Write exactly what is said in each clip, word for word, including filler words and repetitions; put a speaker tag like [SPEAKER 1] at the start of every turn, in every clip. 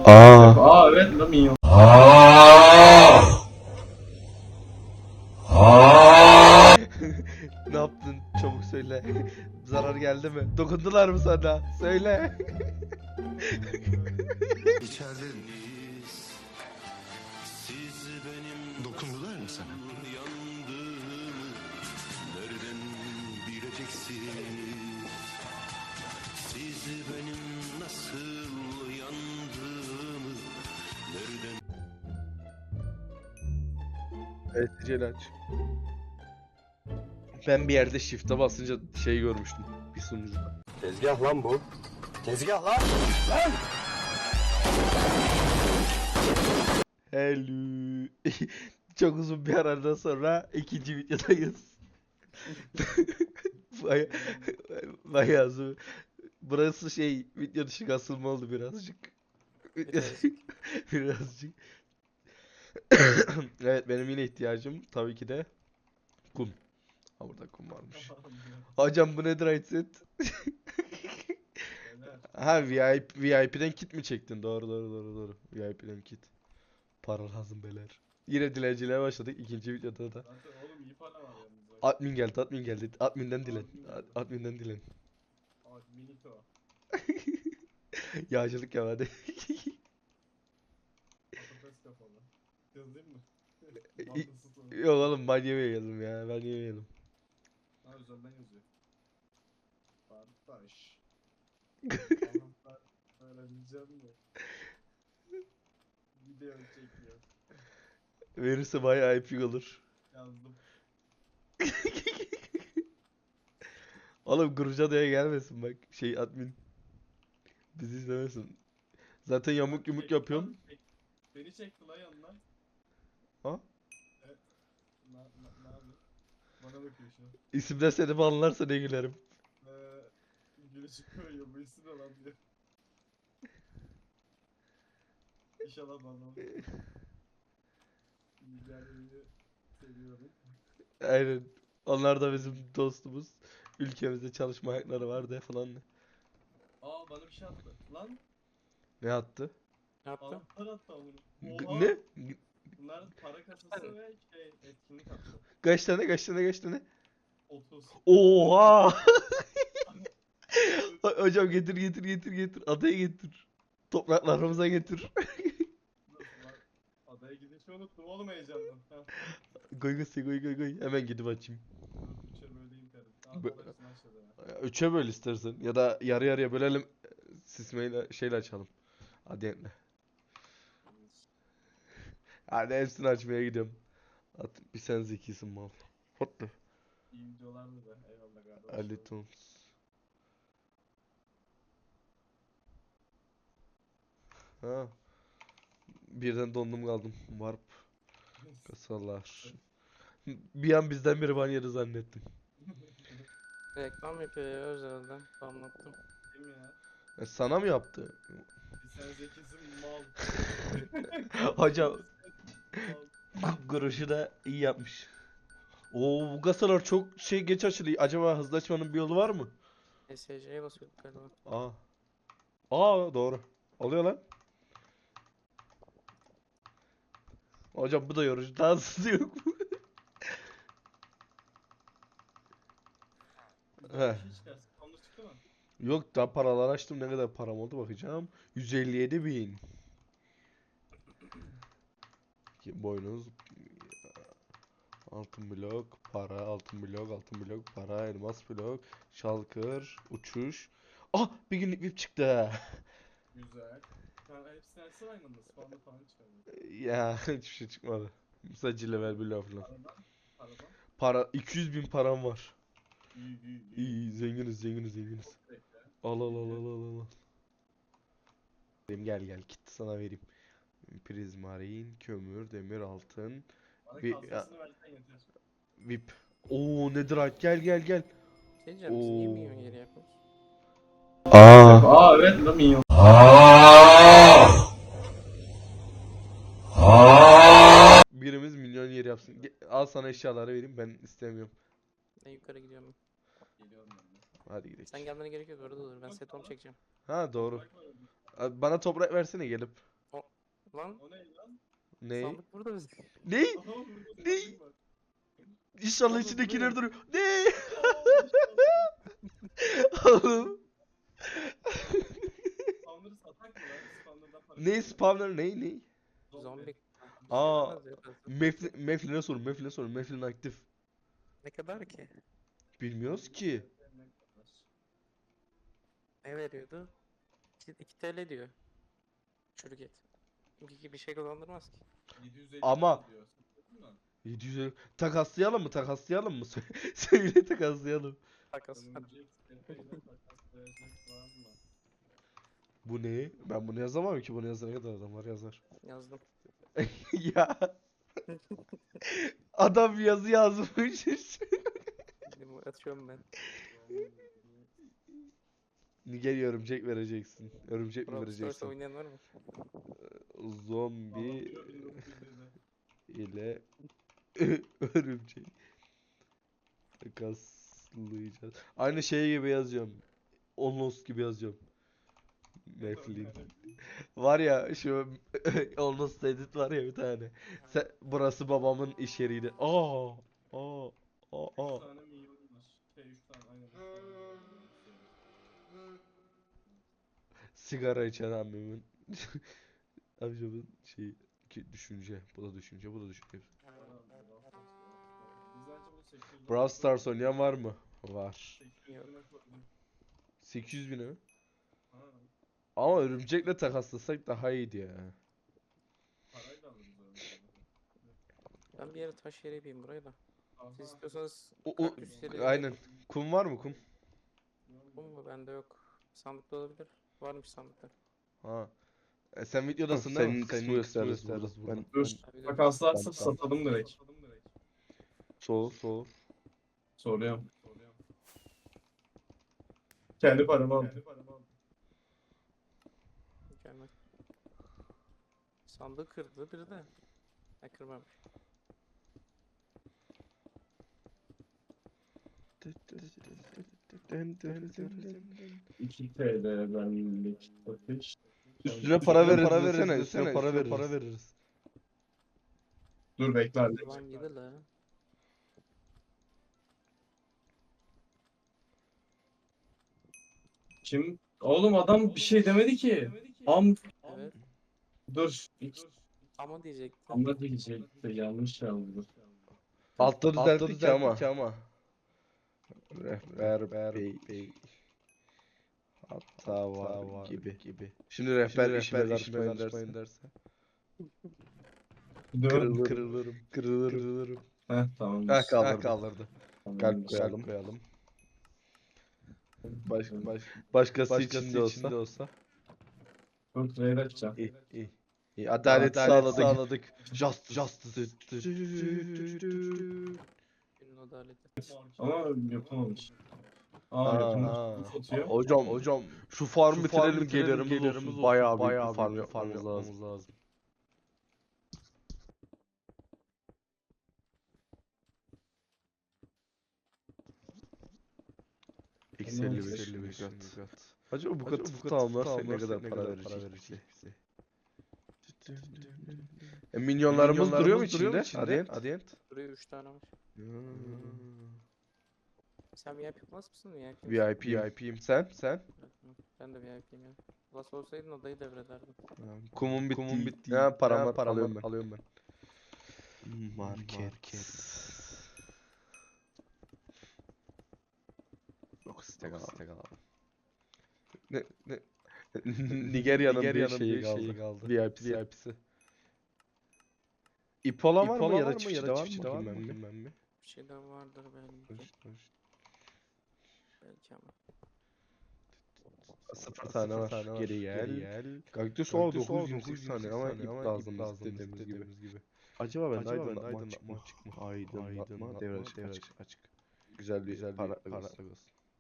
[SPEAKER 1] Aa.
[SPEAKER 2] Aa evet lan minyon.
[SPEAKER 1] Ne yaptın? Çabuk söyle. Zarar geldi mi? Dokundular mı sana? Söyle.
[SPEAKER 3] İçerideniz. Siz benim dokundular mı sana? Yandığımı nereden bileceksiniz? Siz benim nasıl yandığımı nereden...
[SPEAKER 1] Evet, Cel aç. Ben bir yerde shift'e basınca şey görmüştüm. Bir sunucuda.
[SPEAKER 3] Tezgah lan bu. Tezgah lan. Lan!
[SPEAKER 1] Hello. Çok uzun bir aradan sonra ikinci videodayız. Baya, bayağı uzun. Burası şey video dışı kasılma oldu birazcık. Birazcık. Evet, benim yine ihtiyacım tabii ki de kum. Ha, burada kum varmış. Hocam bu nedir headset? Ha, V I P, V I P'den kit mi çektin? Doğru doğru doğru doğru. V I P'den kit. Para lazım beyler. Yine dilenciliğe başladık ikinci videoda da.
[SPEAKER 2] Zaten oğlum iyi para var yalnız. bak.
[SPEAKER 1] Admin geldi, admin geldi. Adminden dilen. Ad- Adminden dilen.
[SPEAKER 2] Aa Minito.
[SPEAKER 1] Yağcılık ya hadi.
[SPEAKER 2] Patates kafalı. Yazayım mı?
[SPEAKER 1] İ-
[SPEAKER 2] Mantıksız olur.
[SPEAKER 1] Yok oğlum, ben yemeyelim ya. Ben yemeyelim.
[SPEAKER 2] Ha üzerinden yazıyor. Kardeş. Allah'ım ben öğreneceğim de. Video çekiyor.
[SPEAKER 1] Verirse bayağı epik olur.
[SPEAKER 2] Yazdım.
[SPEAKER 1] Oğlum Gurcada'ya gelmesin bak. Şey admin. Bizi izlemesin. Zaten yamuk yumuk
[SPEAKER 2] Çekti
[SPEAKER 1] yapıyorsun.
[SPEAKER 2] lan, çek- Beni çekti lan yanına.
[SPEAKER 1] Ha?
[SPEAKER 2] Na, na, ne yapıyor? Bana bakıyor şu an.
[SPEAKER 1] İsimden seni banlarsa ne gülerim.
[SPEAKER 2] Ee, gülücük koyuyor bu isim ne lan diyor. İnşallah bana olur. İlgilenmeyi seviyorum.
[SPEAKER 1] Aynen. Onlar da bizim dostumuz. Ülkemizde çalışma hakları var de falan.
[SPEAKER 2] Aa bana bir şey attı. Lan
[SPEAKER 1] Ne attı?
[SPEAKER 4] Ne yaptın?
[SPEAKER 2] anahtar attı amına.
[SPEAKER 1] G-
[SPEAKER 2] Oha.
[SPEAKER 1] ne?
[SPEAKER 2] Bunlar para kasası ve şey etkinlik attı.
[SPEAKER 1] Kaç tane kaç tane kaç tane?
[SPEAKER 2] otuz.
[SPEAKER 1] Oha! Ho- Hocam getir getir getir getir. Adaya getir. Topraklarımıza getir.
[SPEAKER 2] Nasıl lan? Adaya gidişi unuttum oğlum heyecandan. Ha.
[SPEAKER 1] Goy goy goy goy goy. Hemen gidip açayım.
[SPEAKER 2] Dur üçe böleyim karım. Aa
[SPEAKER 1] Bu-
[SPEAKER 2] bana hepsini aşağıda. ha.
[SPEAKER 1] Üçe böl istersen. Ya da yarı yarıya bölelim. Sismeyle şeyle açalım. Adiyetle. Hadi hepsini açmaya gidiyorum. At, bir sen zekisin mal. Hotlu.
[SPEAKER 2] İyi videolardı da eyvallah kardeşim.
[SPEAKER 1] Ali Tons. Ha. Birden dondum kaldım. Warp. Kasalar. Bir an bizden biri ban yedi zannettim.
[SPEAKER 4] Reklam yapıyor ya özelden. Anlattım.
[SPEAKER 2] Değil mi ya?
[SPEAKER 1] E, sana mı yaptı?
[SPEAKER 2] Bir sen zekisin mal.
[SPEAKER 1] Hocam
[SPEAKER 2] Mal.
[SPEAKER 1] Groş'u da iyi yapmış. Oo, bu kasalar çok şey geç açılıyor. Acaba hızlı açmanın bir yolu var mı?
[SPEAKER 4] S C'ye basıyorduk galiba.
[SPEAKER 1] Aa. Aa, doğru. Oluyor lan. Hocam bu da yorucu. Daha hızlı yok mu? He.
[SPEAKER 2] Bir şey çıkarsın. Onda çıktı mı?
[SPEAKER 1] Yok, daha paralar açtım. Ne kadar param oldu bakacağım. yüz elli yedi bin. Ki boynuz. Altın blok, para, altın blok, altın blok, para, elmas blok, şalkır, uçuş. Ah, bir günlük V I P çıktı.
[SPEAKER 2] Güzel. Sen hepsini açsana aynı anda. Spawn'da falan çıkardı.
[SPEAKER 1] Ya hiçbir şey çıkmadı. Sadece level bir laf falan.
[SPEAKER 2] Paradan. Paradan.
[SPEAKER 1] Para, iki yüz bin param var.
[SPEAKER 2] İyi iyi iyi.
[SPEAKER 1] İyi, iyi, zenginiz, zenginiz, zenginiz.
[SPEAKER 2] Bekle.
[SPEAKER 1] Al al al al al al. Benim gel gel kit sana vereyim. Prizmarin, kömür, demir, altın,
[SPEAKER 2] Bana
[SPEAKER 1] Bir-
[SPEAKER 2] kalsasını versen yeter.
[SPEAKER 1] V I P. Oo, Netherite, gel gel gel.
[SPEAKER 4] Şey diyeceğim biz niye
[SPEAKER 1] Oo.
[SPEAKER 4] milyon geri yapıyoruz?
[SPEAKER 1] Aa.
[SPEAKER 2] Aa evet lan minyon.
[SPEAKER 1] Birimiz milyon yer yapsın. Ge- Al sana eşyaları vereyim, ben istemiyorum.
[SPEAKER 4] Ben yukarı gidiyorum.
[SPEAKER 2] Geliyorum ben de.
[SPEAKER 1] Hadi gidelim.
[SPEAKER 4] Sen gelmene gerek yok orada dur. Ben set home çekeceğim.
[SPEAKER 1] Ha, doğru.
[SPEAKER 2] Bak bakalım.
[SPEAKER 1] Abi, bana toprak versene gelip.
[SPEAKER 4] Lan
[SPEAKER 2] O ne lan?
[SPEAKER 1] Ne?
[SPEAKER 4] sandık burada bizim.
[SPEAKER 1] Ne?
[SPEAKER 2] Aha burada
[SPEAKER 1] Ne?
[SPEAKER 2] sandık var.
[SPEAKER 1] İnşallah
[SPEAKER 2] Oğlum,
[SPEAKER 1] içindekiler
[SPEAKER 2] bu ne?
[SPEAKER 1] duruyor. Ne?
[SPEAKER 2] Aa, işte
[SPEAKER 1] Oğlum.
[SPEAKER 2] Spawner'ı satak mı lan? Spawner'dan para
[SPEAKER 1] Ne
[SPEAKER 2] kazanıyor.
[SPEAKER 1] spawner ne ne?
[SPEAKER 4] Zombi.
[SPEAKER 1] Aa,
[SPEAKER 4] Sevmez ya fazla.
[SPEAKER 1] Meflin, Meflin'e sorun, Meflin'e sorun. Meflin aktif.
[SPEAKER 4] Ne kadar ki?
[SPEAKER 1] Bilmiyoruz ki.
[SPEAKER 4] Ne veriyordu? iki T L diyor. Çürük et. İki bir şey kazandırmaz ki.
[SPEAKER 2] yedi yüz elli
[SPEAKER 1] Ama-
[SPEAKER 2] diyor. Satın mı?
[SPEAKER 1] yedi yüz elli. Takaslayalım mı? Takaslayalım mı? Söyle, söyle takaslayalım.
[SPEAKER 4] Takas.
[SPEAKER 2] Örümcek tepeyle takaslayacak var mı?
[SPEAKER 1] Bu ne? Ben bunu yazamam ki. Bunu yazana kadar adamlar yazar.
[SPEAKER 4] Yazdım.
[SPEAKER 1] Ya. Adam yazı yazmış.
[SPEAKER 4] Şimdi atıyorum ben.
[SPEAKER 1] Nigerya örümcek vereceksin. Örümcek mi
[SPEAKER 4] Brawl Stars
[SPEAKER 1] vereceksin?
[SPEAKER 4] oynayan var mı?
[SPEAKER 1] Zombi
[SPEAKER 2] Anlatıyor bin dokuz yüz yedi.
[SPEAKER 1] ile örümcek takaslayacağız. Aynı şey gibi yazıyorum. Onlos gibi yazıyorum. Meflin. Var ya şu Onlos edit var ya bir tane. Sen, burası babamın iş yeriydi. Aa, aa, aa,
[SPEAKER 2] üç
[SPEAKER 1] aa.
[SPEAKER 2] tane milyon var. Şey üç tane aynen. üç tane milyon var.
[SPEAKER 1] Sigara içen ammemin amcamın şeyi ki düşünce. Bu da düşünce, bu da düşünce.
[SPEAKER 2] Biz bence bunu sekiz yüz
[SPEAKER 1] Brawl Stars oynayan var mı? Var.
[SPEAKER 2] sekiz yüz bine koyduk.
[SPEAKER 1] sekiz yüz bine mi?
[SPEAKER 2] Ha,
[SPEAKER 1] Ama örümcekle takaslasak daha iyiydi ya.
[SPEAKER 2] parayı da alırız öyle.
[SPEAKER 4] Ben bir yere taş yere yapayım burayı da.
[SPEAKER 2] Aha.
[SPEAKER 4] Siz istiyorsanız
[SPEAKER 1] O, o,
[SPEAKER 4] kaktüs yeri
[SPEAKER 1] aynen. Kum var mı kum?
[SPEAKER 4] bu mu? Bende yok. Sandıkta olabilir. Varmış sandıkta.
[SPEAKER 1] Ha. E sen videodasın değil mi? Senin gösteririz burada. Ben,
[SPEAKER 2] Dur.
[SPEAKER 4] Abi de-
[SPEAKER 2] Takaslarsa
[SPEAKER 1] Tamam,
[SPEAKER 2] satalım direkt.
[SPEAKER 1] soğuk soğuk.
[SPEAKER 2] Soruyorum. Kendi paramı al.
[SPEAKER 4] Mükemmel. Sandığı kırdı biri de. Ha kırmamış.
[SPEAKER 2] iki T L benlik satış.
[SPEAKER 1] Üstüne para veririz para veririz üstüne para veririz. Para veririz.
[SPEAKER 2] Dur bekle hadi.
[SPEAKER 4] Ulan yedi la.
[SPEAKER 2] Kim? Oğlum adam bir şey demedi ki. Am
[SPEAKER 4] Evet.
[SPEAKER 2] dur.
[SPEAKER 4] Ama diyecekti.
[SPEAKER 2] Ama diyecekti yanlış yazdı.
[SPEAKER 1] Altta düzelttik ki ama. ama. Rehber bey, bey. Hatta var, var gibi. gibi. Şimdi rehber işime karışmayın derse. derse.
[SPEAKER 2] Dur.
[SPEAKER 1] Kırılırım, kırılırım, kırılırım. kırılırım.
[SPEAKER 2] Heh tamam.
[SPEAKER 1] Ha kaldırdı. kaldırdı.
[SPEAKER 2] Tamam.
[SPEAKER 1] Kalp koyalım. koyalım. Baş, baş, başkası, başkası içinde olsa. olsa.
[SPEAKER 2] Dur trade açacağım.
[SPEAKER 1] İyi, iyi. İyi. Adalet,
[SPEAKER 2] Adalet
[SPEAKER 1] sağladık. sağladık. Just, justice.
[SPEAKER 4] Günün adaleti.
[SPEAKER 2] Ama yapamamış. Aa,
[SPEAKER 1] Aa,
[SPEAKER 2] yapamamış.
[SPEAKER 1] aa.
[SPEAKER 2] Nasıl atıyor?
[SPEAKER 1] Hocam, hocam şu farm
[SPEAKER 2] Şu
[SPEAKER 1] bitirelim,
[SPEAKER 2] farm
[SPEAKER 1] gelirimiz,
[SPEAKER 2] bitirelim,
[SPEAKER 1] gelirimiz
[SPEAKER 2] gelirimiz
[SPEAKER 1] olsun. Bayağı, bayağı
[SPEAKER 2] büyük
[SPEAKER 1] bir farm, farm yapmamız lazım. lazım. X elli beş, elli beş kat. Acaba bu katı bu tamamlarsak ne kadar para verecek bize? E, minyonlarımız duruyor mu içinde? Adient. Adient.
[SPEAKER 4] Buraya üç tane var. Sen V I P yapmaz mısın? V I P
[SPEAKER 1] V I P, V I P'yim. Sen? Sen?
[SPEAKER 4] Ben de V I P'yim ya. Plus olsaydın odayı devrederdim.
[SPEAKER 1] Kumun bitti. Kumun bitti. Ha, param var. Param alıyorum ben. Alıyorum ben. Market. Yok stek al. Stek al. Ne ne Nigerya'nın bir şeyi kaldı. kaldı. V I P'si. V I P'si. İpola var mı ya da çiftçi de var mı? Bilmem mi? Bilmem mi?
[SPEAKER 4] Bir şey daha vardır belki. Belki ama.
[SPEAKER 1] Sıfır tane var. Geri gel. Kaktüs var dokuz yüz yirmi sekiz tane ama ip lazım dediğimiz gibi. Acaba ben de aydınlatma açık mı? Aydınlatma devre açık açık. Güzel bir güzel para para olsun.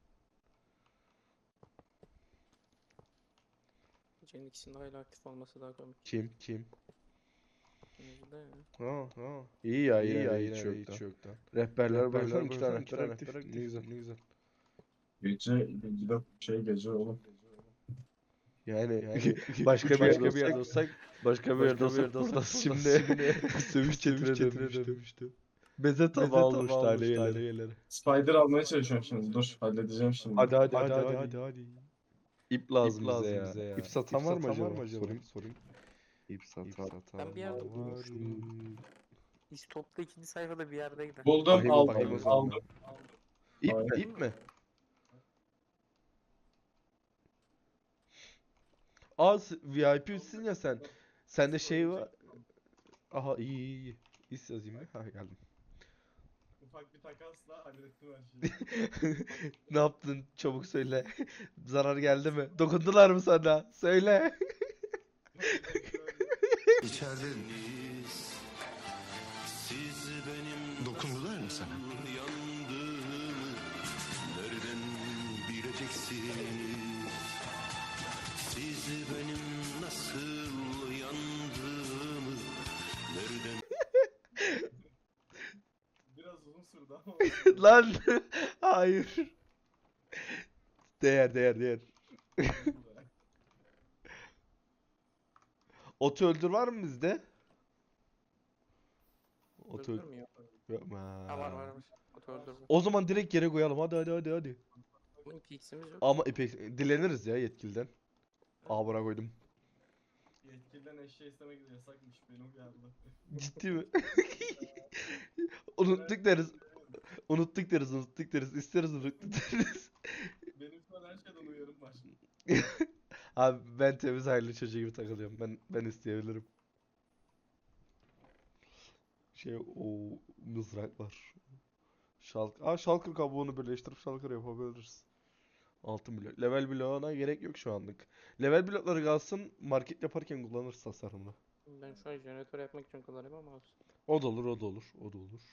[SPEAKER 4] Gecenin ikisinde hala aktif olması daha komik.
[SPEAKER 1] Kim? Kim?
[SPEAKER 4] Yüzde ya.
[SPEAKER 1] Ha ha. İyi ya iyi ya hiç yok hiç yok da. Rehberler baksana iki tane rehber aktif. Ne güzel ne güzel.
[SPEAKER 2] Gece gidip şey gece oğlum.
[SPEAKER 1] Yani yani başka bir yerde
[SPEAKER 5] başka bir yerde
[SPEAKER 1] olsak başka bir yerde olsak burası şimdi sövüş çetine dönmüştü. Beze tabağı olmuştu aileleri.
[SPEAKER 2] Spider almaya çalışıyorum şimdi. Dur halledeceğim şimdi.
[SPEAKER 5] Hadi hadi hadi hadi hadi. hadi.
[SPEAKER 1] İp lazım,
[SPEAKER 5] İp
[SPEAKER 1] bize,
[SPEAKER 5] lazım
[SPEAKER 1] ya.
[SPEAKER 5] bize ya.
[SPEAKER 1] İp satan
[SPEAKER 5] İp
[SPEAKER 1] var mı
[SPEAKER 5] satan
[SPEAKER 1] acaba?
[SPEAKER 5] var mı acaba?
[SPEAKER 1] Sorayım sorayım.
[SPEAKER 5] İp satan.
[SPEAKER 4] Ben bir yerde
[SPEAKER 1] Var mı?
[SPEAKER 4] İstop'ta ikinci sayfada bir yerdeydi.
[SPEAKER 2] Buldum
[SPEAKER 1] Bakayım,
[SPEAKER 2] aldım.
[SPEAKER 1] bakayım o
[SPEAKER 2] Aldım.
[SPEAKER 1] zaman.
[SPEAKER 2] aldım.
[SPEAKER 1] İp
[SPEAKER 2] Aynen.
[SPEAKER 1] mi? İp mi? Aa, s- V I P'sin ya sen. Sende şey var. Aha, iyi iyi iyi. İs yazayım mı? Ha, geldim.
[SPEAKER 2] Ufak bir takasla hallettim her şeyi.
[SPEAKER 1] Ne yaptın? Çabuk söyle. Zarar geldi mi? Dokundular mı sana? Söyle.
[SPEAKER 3] İçerideniz. Siz benim
[SPEAKER 6] Dokundular mı sana?
[SPEAKER 3] yandığımı nereden bileceksiniz? Siz benim nasıl yandığımı nereden
[SPEAKER 2] Biraz uzun sürdü ama.
[SPEAKER 1] Lan. Hayır. Değer değer değer. Otu öldür var mı bizde? Otu öldür.
[SPEAKER 4] Öldürmüyor.
[SPEAKER 1] Yok mu?
[SPEAKER 4] Ha var var var. Oto öldürme.
[SPEAKER 1] O zaman direkt yere koyalım. Hadi hadi hadi hadi.
[SPEAKER 4] Ama ikiksimiz yok.
[SPEAKER 1] Ama ipek dileniriz ya yetkiliden. Aa, buna koydum.
[SPEAKER 2] Yetkiliden eşya istemek yasakmış. Beni uyardı.
[SPEAKER 1] Ciddi mi? Unuttuk deriz. Unuttuk deriz, unuttuk deriz. İsteriz, unuttuk deriz.
[SPEAKER 2] Benim şu an her şeyden uyarım var.
[SPEAKER 1] Abi ben temiz aile çocuğu gibi takılıyorum. Ben ben isteyebilirim. Şey, o mızraklar. Şalk. Aa, shulker kabuğunu birleştirip shulker yapabiliriz. Altın blok. Level bloğuna gerek yok şu anlık. Level blokları kalsın, market yaparken kullanırız tasarımda.
[SPEAKER 4] Ben şu an jeneratör yapmak için kullanıyorum ama olsun.
[SPEAKER 1] O da olur, o da olur, o da olur.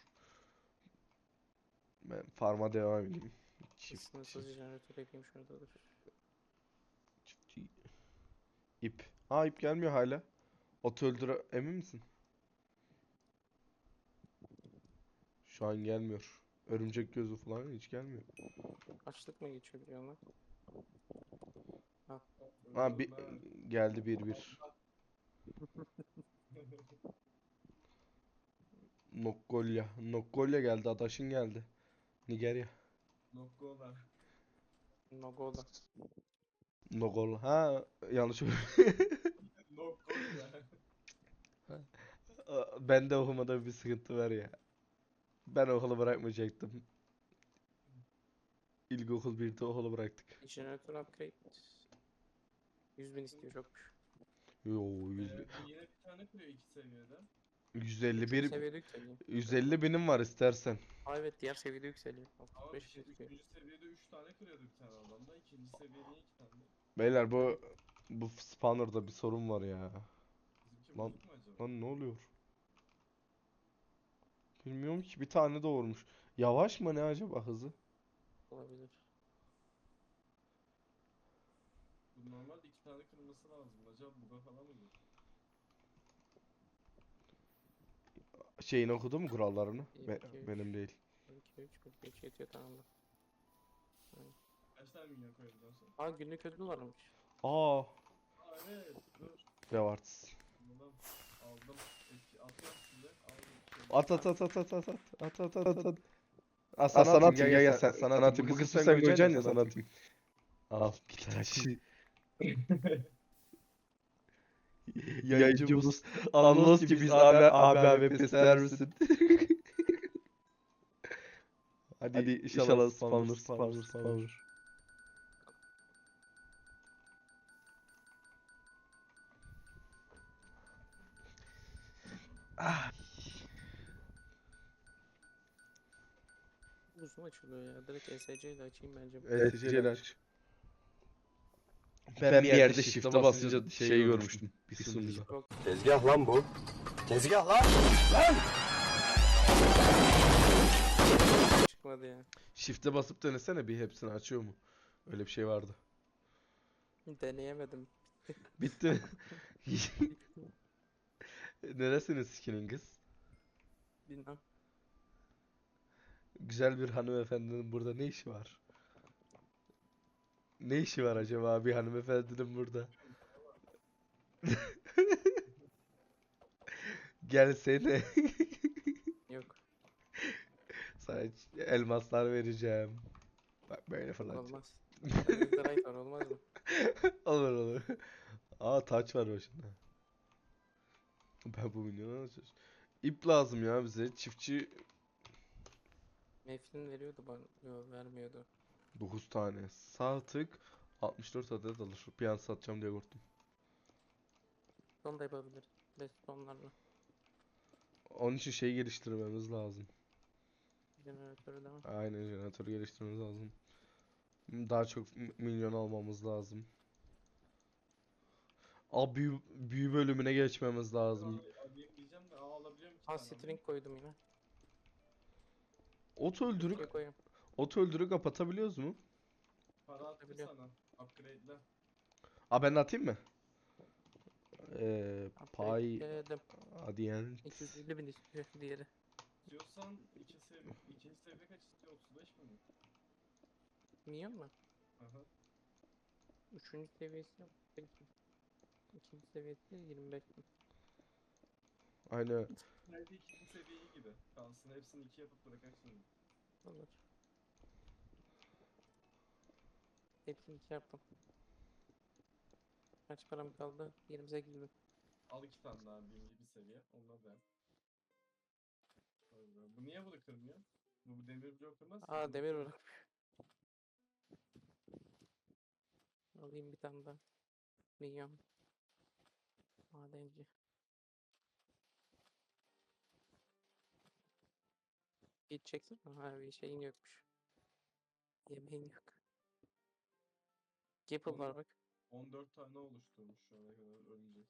[SPEAKER 1] Ben farma devam edeyim. Çift,
[SPEAKER 4] Sınırsız
[SPEAKER 1] çift,
[SPEAKER 4] jeneratör yapayım şurada dur.
[SPEAKER 1] çift. İp. Aa, ip gelmiyor hala. Otu öldüre emin misin? Şu an gelmiyor. Örümcek gözü falan hiç gelmiyor.
[SPEAKER 4] Açlık mı geçiyor biliyor musun?
[SPEAKER 1] Ha, bir geldi bir bir. Nokkolya. Nokkolya geldi. Adaşın geldi. Nigerya.
[SPEAKER 2] Nokkola.
[SPEAKER 4] Nogola.
[SPEAKER 1] Nogol. Ha, yanlış.
[SPEAKER 2] Nokkola.
[SPEAKER 1] Ben de okumada bir sıkıntı var ya. Ben okulu bırakmayacaktım. İlkokul birde okulu bıraktık.
[SPEAKER 4] Jeneratör upgrade. yüz bin istiyor çokmuş.
[SPEAKER 1] Yo, yüz,
[SPEAKER 2] Ee, bu yine bir tane kırıyor iki seviyede.
[SPEAKER 1] yüz elli
[SPEAKER 4] Üçüncü
[SPEAKER 1] bir
[SPEAKER 4] seviyede yükseliyor.
[SPEAKER 1] yüz elli binim var istersen.
[SPEAKER 4] Aa evet diğer seviyede yükseliyor.
[SPEAKER 2] Ama
[SPEAKER 4] altmış
[SPEAKER 2] bir
[SPEAKER 4] beş
[SPEAKER 2] şey,
[SPEAKER 4] gözüküyor.
[SPEAKER 2] üçüncü seviyede üç tane kırıyordu bir tane adamda. İkinci seviyede iki tane.
[SPEAKER 1] Beyler, bu bu spawner'da bir sorun var ya.
[SPEAKER 2] Bizimki
[SPEAKER 1] Lan-
[SPEAKER 2] bozuk mu acaba?
[SPEAKER 1] Lan ne oluyor? Bilmiyorum ki, bir tane doğurmuş. Yavaş mı ne acaba hızı?
[SPEAKER 4] Olabilir.
[SPEAKER 2] Bu normalde iki tane kırılması lazım. Acaba buga falan mı bu?
[SPEAKER 1] Şeyini okudu mu kurallarını?
[SPEAKER 4] Bir,
[SPEAKER 1] Be-
[SPEAKER 4] iki, üç.
[SPEAKER 1] benim değil.
[SPEAKER 4] bir, iki, üç, bir, üç yetiyor tamam da.
[SPEAKER 2] Kaç tane minyon koyabiliyorsun sen?
[SPEAKER 4] Aa günlük ödül varmış.
[SPEAKER 1] Aa,
[SPEAKER 2] Aa evet. Dur.
[SPEAKER 1] rewards.
[SPEAKER 2] Bundan aldım. Etki atıyorum size. Aldım. Şey,
[SPEAKER 1] At at at at at at at at at at at at. Aa,
[SPEAKER 5] Aa,
[SPEAKER 1] sana
[SPEAKER 5] sana
[SPEAKER 1] atayım,
[SPEAKER 5] atayım,
[SPEAKER 1] gel gel sen, sana atayım. Bu kısmı sen koyacaksın ya, sana atayım. Al bir taş. Yayıncımız Anlos gibi biz abi abi abi pesler misin? Hadi,
[SPEAKER 5] Hadi
[SPEAKER 1] inşallah
[SPEAKER 5] inşallah
[SPEAKER 1] spawner
[SPEAKER 5] spawner,
[SPEAKER 1] spawner
[SPEAKER 5] spawner,
[SPEAKER 1] spawner.
[SPEAKER 4] Uzun açılıyor ya. Direkt E S C ile açayım bence.
[SPEAKER 1] Evet, Celal aç. Ben bir yerde shift'e basınca şey görmüştüm. Bir sunucuda.
[SPEAKER 4] Yok.
[SPEAKER 3] Tezgah lan bu. Tezgah lan.
[SPEAKER 4] Çıkmadı ya.
[SPEAKER 1] Shift'e basıp denesene bir, hepsini açıyor mu? Öyle bir şey vardı.
[SPEAKER 4] Deneyemedim.
[SPEAKER 1] Bitti mi? Neresiniz skinin kız?
[SPEAKER 4] Bilmem.
[SPEAKER 1] Güzel bir hanımefendinin burada ne işi var? Ne işi var acaba bir hanımefendinin burada? Gelsene.
[SPEAKER 4] Yok.
[SPEAKER 1] Sana ç- elmaslar vereceğim. Bak böyle falan.
[SPEAKER 4] Olmaz. Netherite var olmaz mı?
[SPEAKER 1] Olur olur. Aa taç var başında. Ben bu milyonu nasıl çöz- İp lazım ya bize. Çiftçi
[SPEAKER 4] Meflin veriyordu bana. Yok vermiyordu.
[SPEAKER 1] dokuz tane. Sağ tık altmış dört adet alır. Bir an satacağım diye korktum.
[SPEAKER 4] Onu da yapabilir. Redstone'larla.
[SPEAKER 1] Onun için şey geliştirmemiz lazım.
[SPEAKER 4] Jeneratörü de var.
[SPEAKER 1] Aynen jeneratör geliştirmemiz lazım. Daha çok m- milyon almamız lazım. Aa büyü, büyü bölümüne geçmemiz lazım.
[SPEAKER 2] Aa, alayım diyeceğim de aa alabiliyorum iki
[SPEAKER 4] Ha
[SPEAKER 2] tane alayım.
[SPEAKER 4] string koydum yine.
[SPEAKER 1] Ot öldürük,
[SPEAKER 4] Şuraya koyayım.
[SPEAKER 1] ot öldürük kapatabiliyoruz mu?
[SPEAKER 2] Para attım
[SPEAKER 4] Biliyorum.
[SPEAKER 2] sana. Upgrade'le.
[SPEAKER 1] Aa ben atayım mı? Ee, pay
[SPEAKER 4] Upgrade'ledim.
[SPEAKER 1] adyen.
[SPEAKER 4] iki yüz elli bin istiyor diğeri.
[SPEAKER 2] İstiyorsan iki seviye, ikinci seviye kaç istiyor? otuz beş mi?
[SPEAKER 4] Milyon mu?
[SPEAKER 2] Aha.
[SPEAKER 4] Üçüncü seviyesi yok. Peki. İkinci seviyesi yirmi beş bin.
[SPEAKER 1] Aynı.
[SPEAKER 2] Belki ikinci seviye iyi gibi. Kalsın hepsini iki yapıp bırakarsın.
[SPEAKER 4] Olur. Hepsini iki yaptım. Kaç param kaldı? yirmi sekiz bin.
[SPEAKER 2] Al iki tane daha birinci bir seviye. Onunla da yap. Öyle. Bu niye bunu kırmıyor? Bu, bu demir blok kırmaz ki.
[SPEAKER 4] Aa
[SPEAKER 2] Bunu
[SPEAKER 4] demir
[SPEAKER 2] kır-
[SPEAKER 4] bırak. Alayım bir tane daha. Milyon. Madenci. Gideceksin mi? Ha bir şeyin yokmuş. Yemeğin yok. Gapple var bak.
[SPEAKER 2] on dört tane oluşturmuş şu ana kadar örümcek.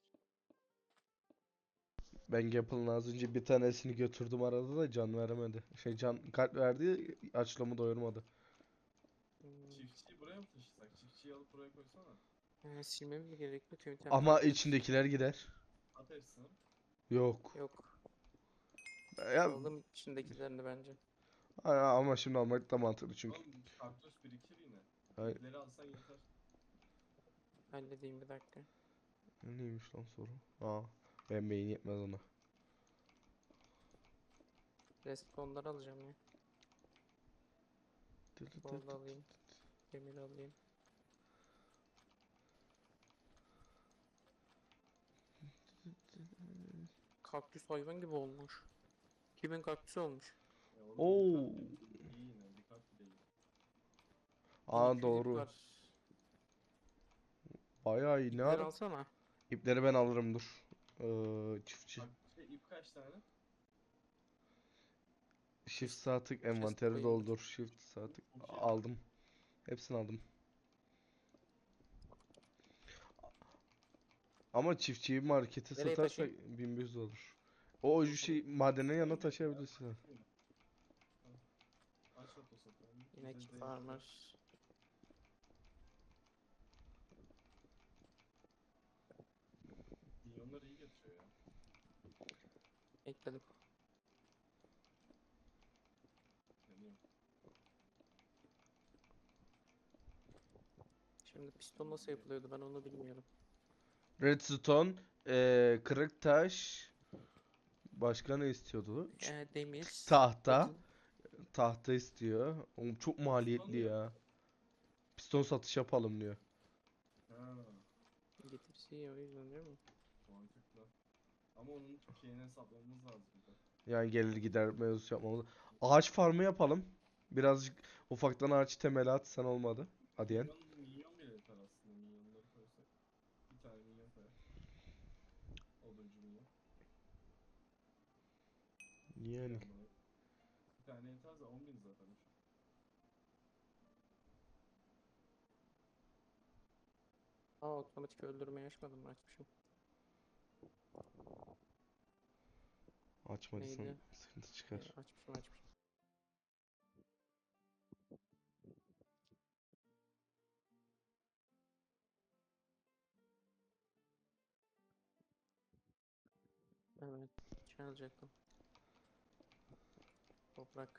[SPEAKER 1] Ben Gapple'ın az önce bir tanesini götürdüm arada da can veremedi. Şey can kalp verdi açlığımı doyurmadı.
[SPEAKER 4] Hmm.
[SPEAKER 2] Çiftçiyi buraya mı taşısak? Çiftçiyi alıp buraya koysana.
[SPEAKER 4] Ee, silmemiz mi gerekiyor? Tüm itemleri
[SPEAKER 1] Ama
[SPEAKER 4] atıyoruz.
[SPEAKER 1] içindekiler gider.
[SPEAKER 2] At hepsini.
[SPEAKER 1] Yok.
[SPEAKER 4] Yok.
[SPEAKER 1] Ya,
[SPEAKER 4] Aldım içindekilerini bence.
[SPEAKER 1] a- ama şimdi almak da mantıklı çünkü.
[SPEAKER 2] Oğlum kaktüs birikir yine.
[SPEAKER 1] Hayır.
[SPEAKER 2] İpleri alsan yeter.
[SPEAKER 4] Halledeyim bir dakika.
[SPEAKER 1] Neymiş lan soru? Aa, ben beyin yetmez ona.
[SPEAKER 4] Respawn'ları alacağım ya.
[SPEAKER 1] Tı tı tı
[SPEAKER 4] Gold
[SPEAKER 1] tı.
[SPEAKER 4] alayım. Demir alayım. Kaktüs hayvan gibi olmuş. Kimin kaktüsü olmuş?
[SPEAKER 2] Ya oğlum
[SPEAKER 1] Oo.
[SPEAKER 2] bir kat bile iyi yine. Bir kat bile iyi.
[SPEAKER 1] Aa
[SPEAKER 4] bin iki yüz ip
[SPEAKER 1] doğru.
[SPEAKER 4] var.
[SPEAKER 1] Bayağı iyi. Ne
[SPEAKER 4] İpleri
[SPEAKER 1] ara?
[SPEAKER 4] alsana.
[SPEAKER 1] İpleri ben alırım dur. Ee, çiftçi.
[SPEAKER 2] Bak şey ip kaç tane?
[SPEAKER 1] Shift sağ tık
[SPEAKER 4] Chest
[SPEAKER 1] envanteri
[SPEAKER 4] koyayım dur.
[SPEAKER 1] doldur. Shift sağ tık.
[SPEAKER 2] Okey.
[SPEAKER 1] Aldım. Hepsini aldım. Ama çiftçiyi markete
[SPEAKER 4] Nereye
[SPEAKER 1] satarsak
[SPEAKER 4] taşıyayım?
[SPEAKER 1] bin bir yüz olur. O şey madenin yanına taşıyabilirsin.
[SPEAKER 2] Aç otosatı.
[SPEAKER 4] İnek
[SPEAKER 2] Bize zevkli.
[SPEAKER 4] farmer.
[SPEAKER 2] Milyonlar iyi getiriyor ya.
[SPEAKER 4] Ekledim.
[SPEAKER 2] Deniyorum.
[SPEAKER 4] Şimdi piston nasıl yapılıyordu ben onu bilmiyorum.
[SPEAKER 1] Redstone, eee kırık taş, başka ne istiyordu? Ç-
[SPEAKER 4] Ee, demir.
[SPEAKER 1] Tahta,
[SPEAKER 4] Odun.
[SPEAKER 1] tahta istiyor. Oğlum çok maliyetli
[SPEAKER 2] Piston
[SPEAKER 1] ya. Piston satış yapalım diyor.
[SPEAKER 2] Ha,
[SPEAKER 4] Getirisi iyi o yüzden değil mi?
[SPEAKER 2] mantıklı. Ama onun şeyini hesaplamamız lazım bir de.
[SPEAKER 1] Yani gelir gider mevzusu yapmamız. Ağaç farmı yapalım. Birazcık ufaktan ağaç temeli at sen olmadı. Hadiyen.
[SPEAKER 2] Milyon, milyon bile yeter aslında milyonları koysak. Bir tane milyon koyar. Oduncu milyon.
[SPEAKER 1] Yani.
[SPEAKER 2] Milyon bir tane yeter de on bin zaten.
[SPEAKER 4] Aa otomatik öldürmeyi açmadım mı? Açmışım.
[SPEAKER 1] Açmadıysan
[SPEAKER 4] Neydi?
[SPEAKER 1] sıkıntı
[SPEAKER 4] Ee,
[SPEAKER 1] çıkar.
[SPEAKER 4] açmışım açmışım. Evet. Şey alacaktım. Toprak.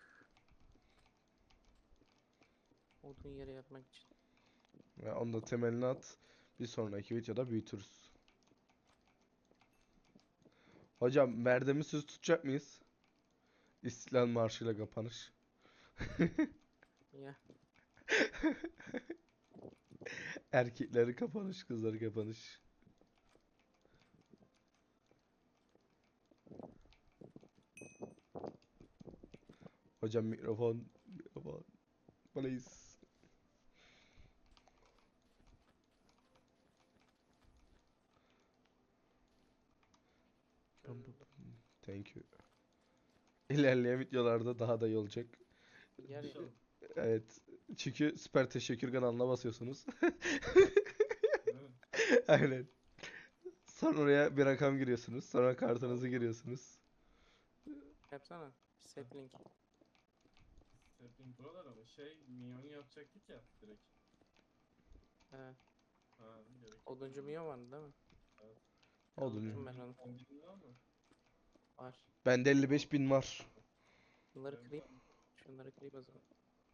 [SPEAKER 4] Odun yeri yapmak için.
[SPEAKER 1] Ve onu da temelini at. Bir sonraki videoda büyütürüz. Hocam verdiğimiz söz tutacak mıyız? İstiklal Marşı'yla kapanış.
[SPEAKER 4] Ya
[SPEAKER 1] Erkekleri kapanış, kızları kapanış. Hocam mikrofon, mikrofon. Please. Thank you. İlerleyen videolarda daha da iyi olacak.
[SPEAKER 4] yer ya.
[SPEAKER 2] İnşallah.
[SPEAKER 1] Evet. Çünkü süper teşekkür kanalına basıyorsunuz.
[SPEAKER 2] Değil mi?
[SPEAKER 1] Aynen. Sonra oraya bir rakam giriyorsunuz. Sonra kartınızı giriyorsunuz.
[SPEAKER 4] Yapsana. Set link.
[SPEAKER 2] Setting buralar ama şey minyonu yapacaktık ya direkt.
[SPEAKER 4] He.
[SPEAKER 2] Ha gerek yok.
[SPEAKER 4] Oduncu milyon vardı değil mi?
[SPEAKER 2] Evet.
[SPEAKER 1] Oldu
[SPEAKER 4] Unuttum
[SPEAKER 1] mu?
[SPEAKER 4] ben onu.
[SPEAKER 2] on bin lira mı?
[SPEAKER 4] Var.
[SPEAKER 1] Bende elli beş bin var.
[SPEAKER 4] Bunları
[SPEAKER 2] Benim
[SPEAKER 4] kırayım.
[SPEAKER 2] var.
[SPEAKER 4] Şunları kırayım o zaman.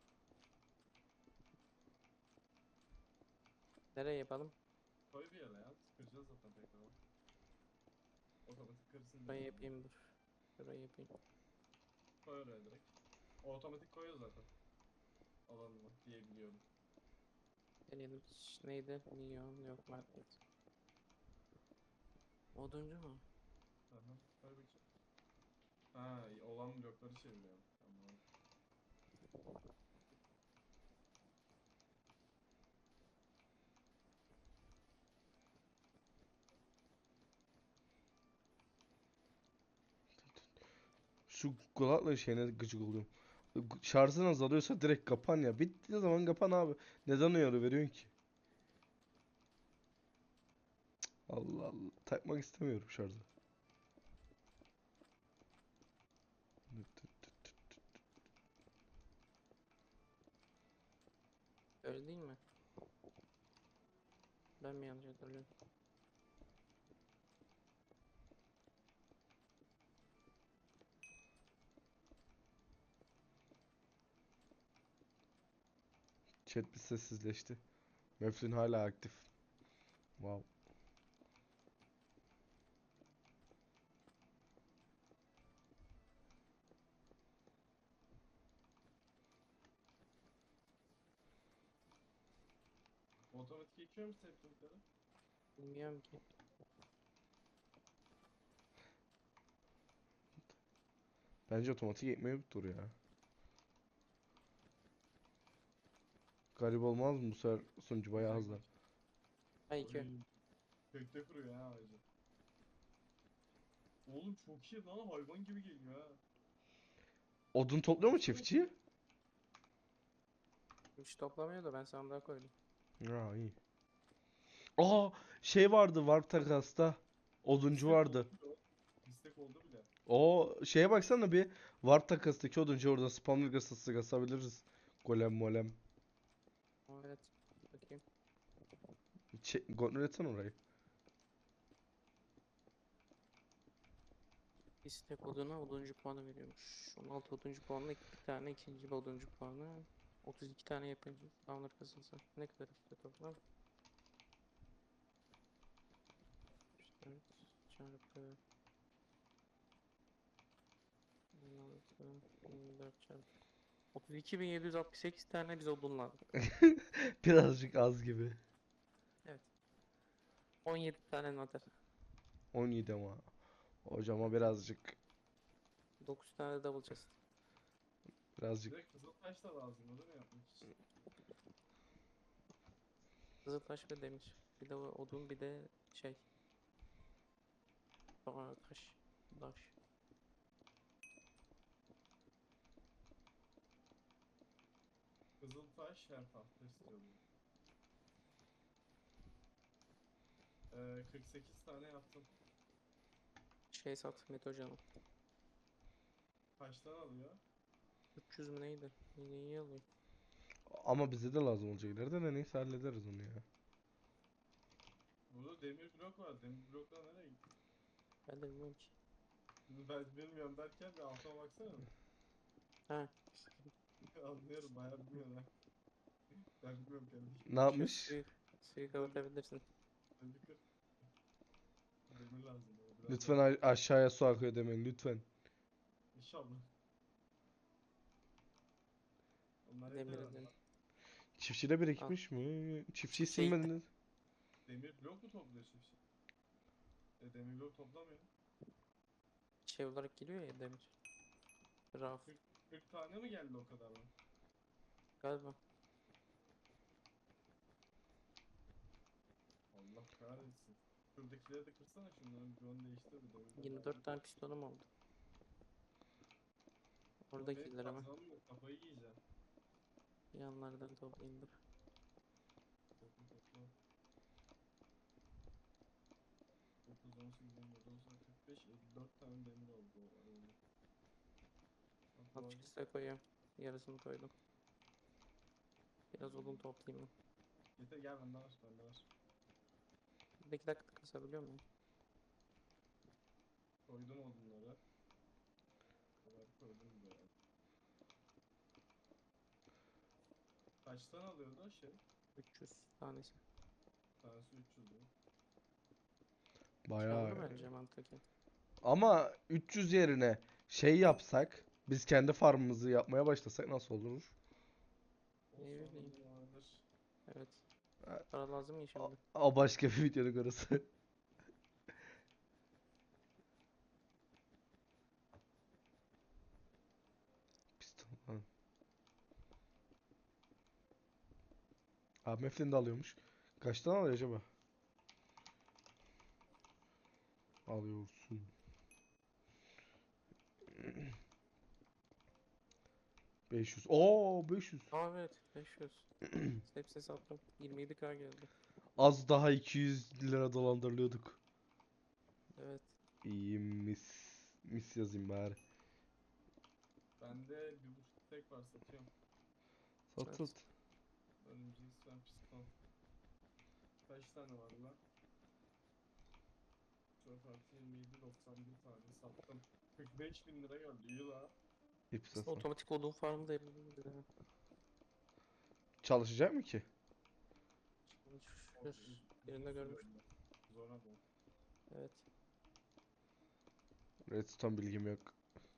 [SPEAKER 4] Nereye yapalım?
[SPEAKER 2] Koy bir yere ya. Kıracağız zaten tekrar. Otomatik kırsın diye.
[SPEAKER 4] Burayı yapayım dur. Burayı yapayım.
[SPEAKER 2] Koy oraya direkt. O otomatik koyuyor zaten. Alanına diye biliyorum.
[SPEAKER 4] Deneyelim. Ş- Neydi? Milyon yok market. Oduncu mu?
[SPEAKER 2] Aha. Koy bakayım. Ha olan blokları çeviriyorum. Tamam.
[SPEAKER 1] Şu kulakla şeyine gıcık oluyorum. Şarjın azalıyorsa direkt kapan ya. Bittiği zaman kapan abi. Neden uyarı veriyorsun ki? Allah Allah. Takmak istemiyorum şarjı.
[SPEAKER 4] Öyle değil mi? Ben mi yanlış hatırlıyorum?
[SPEAKER 1] Chat bir sessizleşti. Meflin hala aktif. Wow.
[SPEAKER 2] Otomatik ekiyor mu settingleri?
[SPEAKER 4] Bilmiyorum ki.
[SPEAKER 1] Bence otomatik ekmeği ya. Garip olmaz mı bu sefer sunucu bayağı hızlı.
[SPEAKER 4] Ha iki.
[SPEAKER 2] Oy. Kökte kuruyor ha ağacı. Oğlum çok iyi lan hayvan gibi geliyor ha.
[SPEAKER 1] Odun topluyor mu çiftçi?
[SPEAKER 4] Hiç toplamıyor da ben sandığa koydum.
[SPEAKER 1] Ha iyi. Aa şey vardı Warp Takas'ta. Oduncu
[SPEAKER 2] İstek
[SPEAKER 1] vardı.
[SPEAKER 2] oldu bile. o. İstek oldu bile.
[SPEAKER 1] O şeye baksana bir. Warp Takas'taki oduncu orada spawner kasası kasabiliriz. Golem molem.
[SPEAKER 4] Aa, evet. Bakayım.
[SPEAKER 1] Çek, kontrol etsene orayı.
[SPEAKER 4] İstek oduna oduncu puanı veriyormuş. on altı oduncu puanla bir tane ikinci bir oduncu puanı. otuz iki tane yapınca spawner kasılsa. Ne kadar işte toplam? dört çarpı on altı yirmi dört çarpı otuz iki bin yedi yüz altmış sekiz tane biz odun lazım.
[SPEAKER 1] Birazcık az gibi.
[SPEAKER 4] Evet. on yedi tane nater.
[SPEAKER 1] on yedi ama. Hocama birazcık
[SPEAKER 4] dokuz tane double chest.
[SPEAKER 2] Bir
[SPEAKER 1] birazcık
[SPEAKER 2] de kızıl taş da lazım değil mi yapmak için?
[SPEAKER 4] Kızıltaş ve demir. Bir de o odun bir de şey. Aa, taş. Taş.
[SPEAKER 2] Kızıl taş her tahta istiyorum. Ee, kırk sekiz tane yaptım.
[SPEAKER 4] Şey sat Metocan'ı.
[SPEAKER 2] Kaçtan alıyor?
[SPEAKER 4] üç yüz mü neydi? Yine iyi alıyor.
[SPEAKER 1] ama bize de lazım olacak ileride de neyse hallederiz onu ya.
[SPEAKER 2] Burada demir blok var. Demir bloklar nereye gitti?
[SPEAKER 4] Ben de bilmiyorum ki.
[SPEAKER 2] Ben bilmiyorum derken bir altıma baksana.
[SPEAKER 4] Ha.
[SPEAKER 2] Anlıyorum bayağı bilmiyorum ha. Ben bilmiyorum kardeşim.
[SPEAKER 1] Ne
[SPEAKER 4] Şu
[SPEAKER 1] yapmış?
[SPEAKER 4] suyu, suyu kapatabilirsin.
[SPEAKER 2] Demir kır. Demir lazım bana. Biraz
[SPEAKER 1] Lütfen
[SPEAKER 2] daha-
[SPEAKER 1] a- aşağıya su akıyor demeyin lütfen.
[SPEAKER 2] İnşallah. Onlar yeter
[SPEAKER 4] Demir
[SPEAKER 2] herhalde.
[SPEAKER 4] edin.
[SPEAKER 1] Çiftçide birikmiş mi? Çiftçiyi
[SPEAKER 4] Şey-
[SPEAKER 1] silmediniz.
[SPEAKER 2] Demir blok mu topluyor çiftçi? E demir blok toplamıyor.
[SPEAKER 4] Şey olarak geliyor ya demir. Raf
[SPEAKER 2] kırk, kırk tane mi geldi o kadar mı?
[SPEAKER 4] galiba.
[SPEAKER 2] Allah kahretsin. Şuradakileri de kırsana şunların bloğunu değiştir bir demir blok
[SPEAKER 4] yirmi dört
[SPEAKER 2] halinde.
[SPEAKER 4] tane pistonum oldu.
[SPEAKER 2] Ama benim
[SPEAKER 4] Oradakiler ama.
[SPEAKER 2] kazmam yok, kafayı yiyeceğim.
[SPEAKER 4] Yanlardan toplayayım dur.
[SPEAKER 2] Topla topla. dokuz, on sekiz, on dokuz, on sekiz, kırk beş, elli dört tane demir oldu o arada. Bak bu
[SPEAKER 4] At
[SPEAKER 2] arada
[SPEAKER 4] chest'e koyuyorum. Yarısını koydum. Biraz odun toplayayım ben.
[SPEAKER 2] getir gel bende var bende var.
[SPEAKER 4] Bir iki dakika kasabiliyor muyum?
[SPEAKER 2] Koydum odunları. Kadar koydum buraya. Kaçtan alıyordu o şey?
[SPEAKER 4] üç yüz tanesi.
[SPEAKER 2] Tanesi üç yüz mü?
[SPEAKER 1] Bayağı.
[SPEAKER 4] Kârlı bence mantıken.
[SPEAKER 1] Ama üç yüz yerine şey yapsak, biz kendi farmımızı yapmaya başlasak nasıl olur?
[SPEAKER 2] O
[SPEAKER 4] Ne bileyim.
[SPEAKER 2] sorun vardır.
[SPEAKER 4] Evet.
[SPEAKER 1] Ha,
[SPEAKER 4] Para lazım ya
[SPEAKER 1] O,
[SPEAKER 4] şimdi.
[SPEAKER 1] o başka bir videonun konusu. Piston. Ha. Abi Meflin de alıyormuş. Kaçtan alıyor acaba? Alıyorsun. beş yüz. Oo beş yüz.
[SPEAKER 4] Aa evet beş yüz. Hepsini sattım. yirmi yedi K geldi.
[SPEAKER 1] Az daha iki yüz lira dolandırılıyorduk.
[SPEAKER 4] Evet.
[SPEAKER 1] İyi mis. Mis yazayım bari.
[SPEAKER 2] Bende bir buçuk tek var satıyorum.
[SPEAKER 1] Sat
[SPEAKER 4] Evet.
[SPEAKER 1] sat.
[SPEAKER 2] Örümcek sen piston. Kaç tane var lan? dört artı yirmi yedi, doksan bir tane sattım. kırk beş bin lira geldi iyi la.
[SPEAKER 1] İp
[SPEAKER 4] Aslında
[SPEAKER 1] satma.
[SPEAKER 4] otomatik odun farmı da yapabiliriz yani.
[SPEAKER 1] Çalışacak mı ki?
[SPEAKER 2] O-
[SPEAKER 4] Çalışır.
[SPEAKER 2] uz- uzun
[SPEAKER 4] Birinde
[SPEAKER 2] sürüyor
[SPEAKER 4] görmüştüm.
[SPEAKER 2] bile. Zora bu.
[SPEAKER 4] Evet.
[SPEAKER 1] Redstone bilgim yok.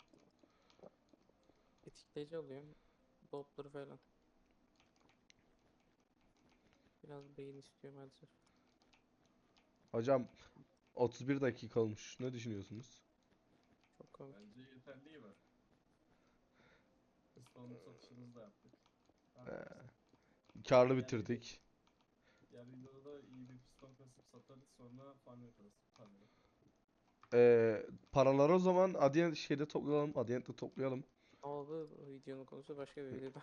[SPEAKER 4] Tetikleyici alıyorum. Dopları falan. Biraz beyin istiyor maalesef.
[SPEAKER 1] Hocam otuz bir dakika olmuş. Ne düşünüyorsunuz?
[SPEAKER 4] Çok komik.
[SPEAKER 2] Bence yeterli iyi bak. Piston satışımızı da yaptık. Ha,
[SPEAKER 1] Karlı
[SPEAKER 2] Diğer
[SPEAKER 1] bitirdik.
[SPEAKER 2] diğer videoda da iyi bir piston kasıp satarız sonra farm yaparız. Paneli.
[SPEAKER 1] Ee, paraları o zaman Adyen şeyde toplayalım. Adyen'de toplayalım.
[SPEAKER 4] Ama bu bu videonun konusu başka bir videoda.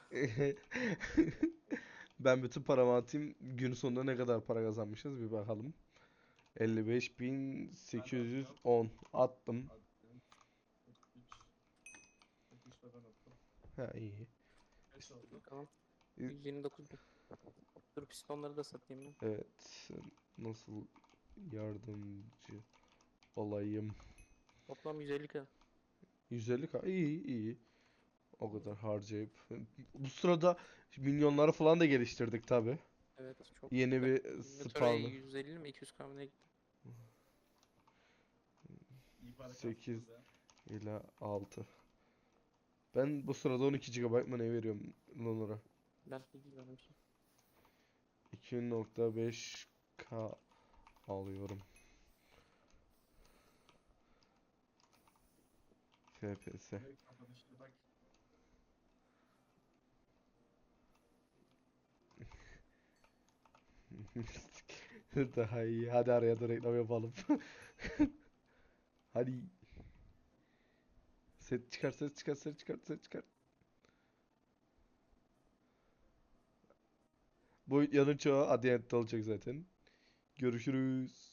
[SPEAKER 1] Ben bütün paramı atayım. Gün sonunda ne kadar para kazanmışız bir bakalım. elli beş bin sekiz yüz on attım.
[SPEAKER 2] Admin kırk üç. kırk üç de ben attım.
[SPEAKER 1] Ha iyi.
[SPEAKER 2] Kaç oldu?
[SPEAKER 4] Bakalım.
[SPEAKER 1] İ-
[SPEAKER 4] yüz yirmi dokuz bin. Dur pistonları da satayım ben.
[SPEAKER 1] Evet. Nasıl yardımcı olayım?
[SPEAKER 4] Toplam yüz elli K.
[SPEAKER 1] yüz elli k iyi iyi. O kadar harcayıp. Bu sırada minyonları falan da geliştirdik tabi.
[SPEAKER 4] Evet çok
[SPEAKER 1] Yeni
[SPEAKER 4] güzel.
[SPEAKER 1] bir
[SPEAKER 4] Inventory
[SPEAKER 1] spawn'ı.
[SPEAKER 4] yüz elli mi iki yüz K mı ne gitti?
[SPEAKER 2] İyi para
[SPEAKER 1] sekiz
[SPEAKER 2] kastınız ya.
[SPEAKER 1] ile altı. Ben bu sırada on iki gigabayt mı ne veriyorum Lunar'a?
[SPEAKER 4] Ben bilmiyorum ki.
[SPEAKER 1] iki nokta beş k alıyorum. F P S.
[SPEAKER 2] Evet, kapanışta bak.
[SPEAKER 1] Daha iyi. Hadi araya da reklam yapalım. Hadi. Set çıkar, ses çıkar, ses çıkar, ses çıkar. Bu yanın çoğu Adient'te olacak zaten. Görüşürüz.